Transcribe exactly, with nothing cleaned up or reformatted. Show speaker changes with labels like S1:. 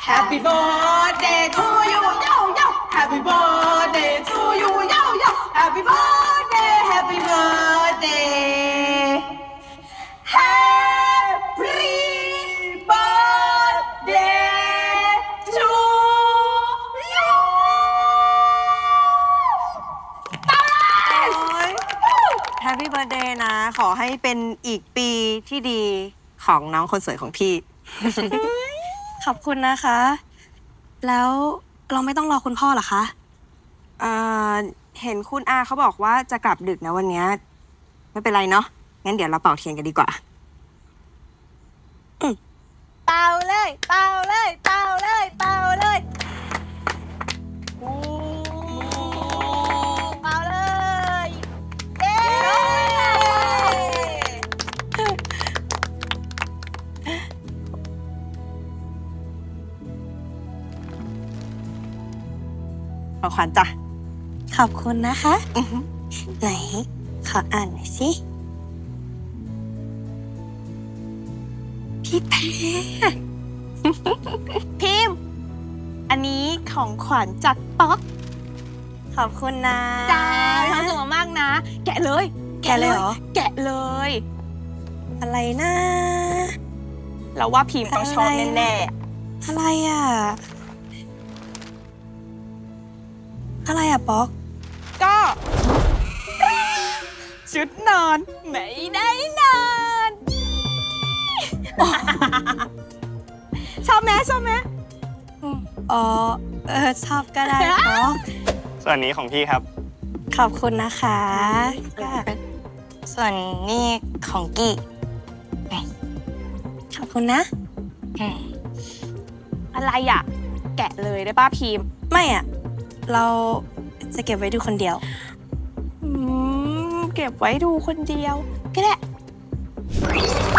S1: Happy birthday to you yo yo Happy birthday to you yo yo Happy birthday Happy birthday Happy birthday to you
S2: แฮปปี้เบิร์ดเดย์นะ ขอให้เป็นอีกปีที่ดีของน้องคนสวยของพี่
S3: ขอบคุณนะคะ แล้วเราไม่ต้องรอคุณพ่อเหรอคะ
S2: เอ่อ เห็นคุณอาเขาบอกว่าจะกลับดึกนะวันเนี้ยไม่เป็นไรเนาะ งั้นเดี๋ยวเราเป่าเทียนกันดีกว่า
S3: เป่าเลย เป่าเลย เป่าเลย เป่าเลยเป่าเลยเย้
S2: ขอขวัญจ้ะ
S3: ขอบคุณนะคะ ไหน ขออ่านหน่อยสิ พี่แพร
S2: พิมพ์ อันนี้ของขวัญจากป๊อก
S3: ขอบคุณนะ
S2: จ้ามีความสุขมากๆนะ แกะเลย
S3: แกะเลยเหรอ
S2: แกะเลย
S3: อะไรนะ
S2: เราว่าพิมพ์ต้องชอบแน่
S3: อะไรอ่ะ อะไรอ่ะป๊อก
S2: ๆ ก็ ชุดนอนไม่ได้นอน ชอบไหมชอบไหม
S3: อ๋อ เออ ชอบก็ได้ป๊อก
S4: ส่วนนี้ของพี่ครับ
S3: ขอบคุณนะคะส่วนนี่ของกี้ขอบคุณนะ
S2: อะไรอ่ะ แกะเลยได้ป้าพิมพ์
S3: ไม่อ่ะ เราจะเก็บไว้ดูคนเดียว
S2: อืม เก็บไว้ดูคนเดียว ก็ได้